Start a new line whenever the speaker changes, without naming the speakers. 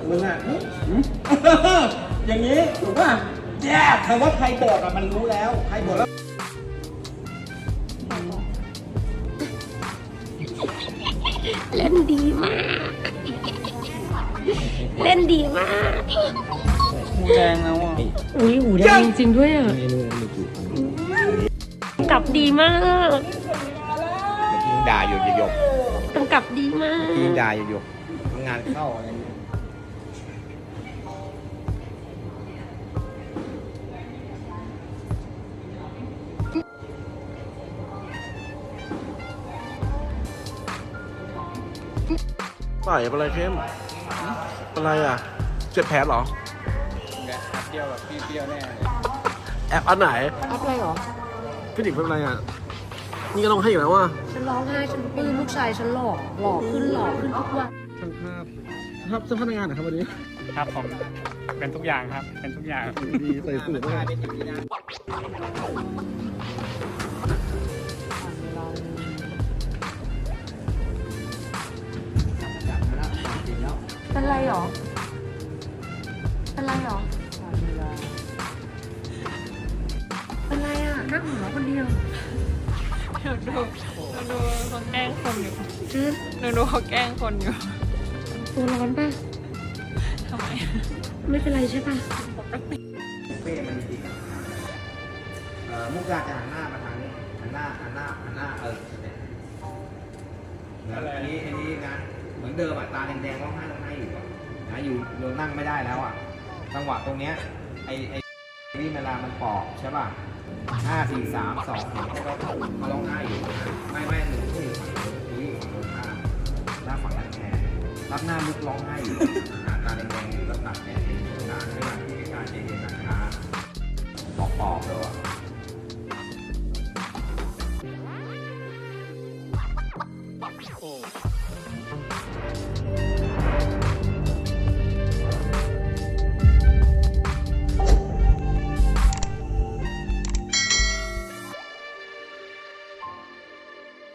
มึงอ่ะอย่างนี้ถูกป่ะแย่คำว่าใครบอกอ่ะมันรู้แล้วใครบอกแล้ว
เล่นดีมาก เล่นดีมาก
หูแดงแล้วอ่ะ
อุ้ยหูแดงจริงๆด้วยอ่ะกลับดีมาก
เมื่อกี้ด่าอยู่หยก
กำกับดีมาก
เมื่อกี้ด่าอยู่หยกงานเข้าอะไรเงี้ย
ใส่อะไรเข้มอะไรอ่ะเจ็บแผลเหรอ
เที่ยวแบบเปรี้ยวแน่เลย
แอบอันไหน
แอปอะไรหรอ
พี่หนิงเป็นอะไรอ่ะนี่ก็ต้องให้อยู่แล้วว่า
ฉันร้องไห้ฉันปลื้มลูกชายฉันหล่อขึ้นทุกวัน
ช่างภาพครับเจ้าพนักงานเหรอครับวันนี้
ครับผมเป็นทุกอย่างครับเป็นทุกอย่าง
ดีใส่สูทด้วย
เป็นไรหรอ เป็นไรหรอ เป็นไรอ่ะนั่งหัวคนเดียว
ดูเขาแกล้งคนอยู่
จืด
ดูเขาแกล้งคนอยู่
ตัวร้อนป่ะ
ทำไม
ไม่เป็นไรใช่ป่ะ
เป้มันจริงมุกดาจะหันหน้ามาทางนี้หันหน้าเนี่ยแล้วอันนี้นะเหมือนเดิมอ่ะตาแดงๆร้องไห้อยู่อ่ะนะอยู่นั่งไม่ได้แล้วอ่ะจังหวะตรงเนี้ยไอ้นี่เวลามันปอกใช่ป่ะ5 4 3 2 1ให้เขาร้องไห้อยู่ไม่หนูก็อยู่ฝั่งนู้นหนูอยู่ฝั่งตรงข้ามหน้าฝั่งนั้นแทนรับหน้ามุกร้องไห้อยู่ตาแดงๆอยู่แล้วตัดแดงนานไม่นานที่การเย็นๆนะคะปอกเลยว่ะ
โอ้